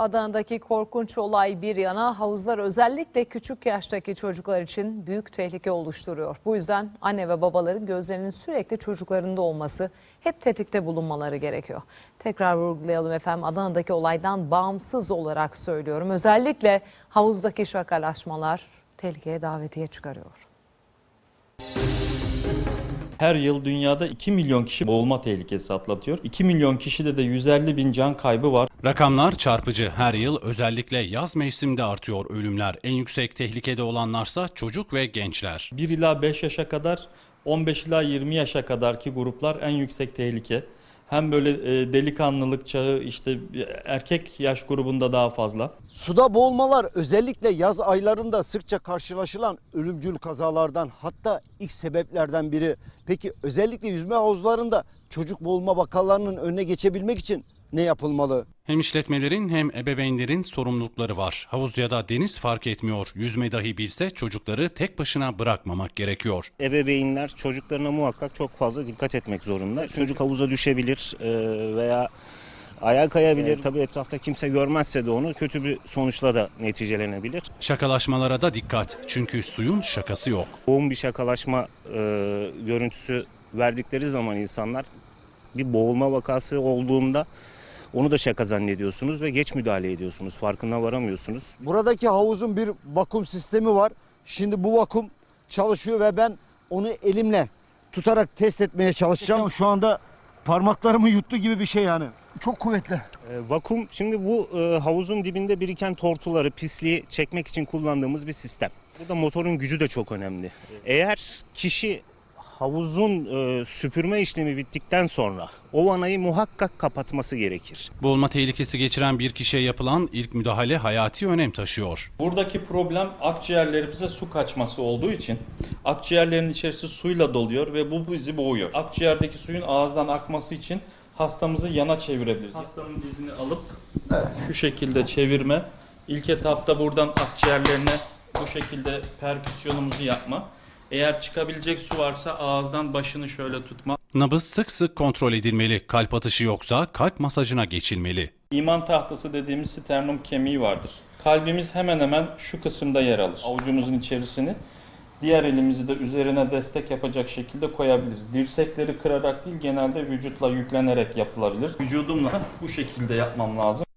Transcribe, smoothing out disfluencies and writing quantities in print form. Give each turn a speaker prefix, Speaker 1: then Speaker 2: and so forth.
Speaker 1: Adana'daki korkunç olay bir yana, havuzlar özellikle küçük yaştaki çocuklar için büyük tehlike oluşturuyor. Bu yüzden anne ve babaların gözlerinin sürekli çocuklarında olması, hep tetikte bulunmaları gerekiyor. Tekrar vurgulayalım efendim, Adana'daki olaydan bağımsız olarak söylüyorum. Özellikle havuzdaki şakalaşmalar tehlikeye davetiye çıkarıyor.
Speaker 2: Her yıl dünyada 2 milyon kişi boğulma tehlikesi atlatıyor. 2 milyon kişide de 150 bin can kaybı var.
Speaker 3: Rakamlar çarpıcı. Her yıl özellikle yaz mevsiminde artıyor ölümler. En yüksek tehlikede olanlarsa çocuk ve gençler.
Speaker 2: 1 ila 5 yaşa kadar, 15 ila 20 yaşa kadarki gruplar en yüksek tehlike. Hem böyle delikanlılık çağı, işte erkek yaş grubunda daha fazla.
Speaker 4: Suda boğulmalar özellikle yaz aylarında sıkça karşılaşılan ölümcül kazalardan, hatta ilk sebeplerden biri. Peki özellikle yüzme havuzlarında çocuk boğulma vakalarının önüne geçebilmek için ne yapılmalı?
Speaker 3: Hem işletmelerin hem ebeveynlerin sorumlulukları var. Havuz ya da deniz fark etmiyor. Yüzme dahi bilse çocukları tek başına bırakmamak gerekiyor.
Speaker 5: Ebeveynler çocuklarına muhakkak çok fazla dikkat etmek zorunda. Çocuk havuza düşebilir veya ayağa kayabilir. Tabii etrafta kimse görmezse de onu kötü bir sonuçla da neticelenebilir.
Speaker 3: Şakalaşmalara da dikkat. Çünkü suyun şakası yok.
Speaker 5: Yoğun bir şakalaşma görüntüsü verdikleri zaman insanlar bir boğulma vakası olduğunda onu da şaka zannediyorsunuz ve geç müdahale ediyorsunuz. Farkına varamıyorsunuz.
Speaker 4: Buradaki havuzun bir vakum sistemi var. Şimdi bu vakum çalışıyor ve ben onu elimle tutarak test etmeye çalışacağım. Şu anda parmaklarımı yuttu gibi bir şey yani. Çok kuvvetli.
Speaker 5: Vakum, şimdi bu havuzun dibinde biriken tortuları, pisliği çekmek için kullandığımız bir sistem. Burada motorun gücü de çok önemli. Eğer kişi havuzun süpürme işlemi bittikten sonra o vanayı muhakkak kapatması gerekir.
Speaker 3: Boğulma tehlikesi geçiren bir kişiye yapılan ilk müdahale hayati önem taşıyor.
Speaker 2: Buradaki problem akciğerlerimize su kaçması olduğu için akciğerlerin içerisi suyla doluyor ve bu bizi boğuyor. Akciğerdeki suyun ağızdan akması için hastamızı yana çevirebiliriz. Hastanın dizini alıp şu şekilde çevirme. İlk etapta buradan akciğerlerine bu şekilde perküsyonumuzu yapma. Eğer çıkabilecek su varsa ağızdan başını şöyle tutma.
Speaker 3: Nabız sık sık kontrol edilmeli. Kalp atışı yoksa kalp masajına geçilmeli.
Speaker 2: İman tahtası dediğimiz sternum kemiği vardır. Kalbimiz hemen hemen şu kısımda yer alır. Avucumuzun içerisini. Diğer elimizi de üzerine destek yapacak şekilde koyabiliriz. Dirsekleri kırarak değil, genelde vücutla yüklenerek yapılabilir. Vücudumla bu şekilde yapmam lazım.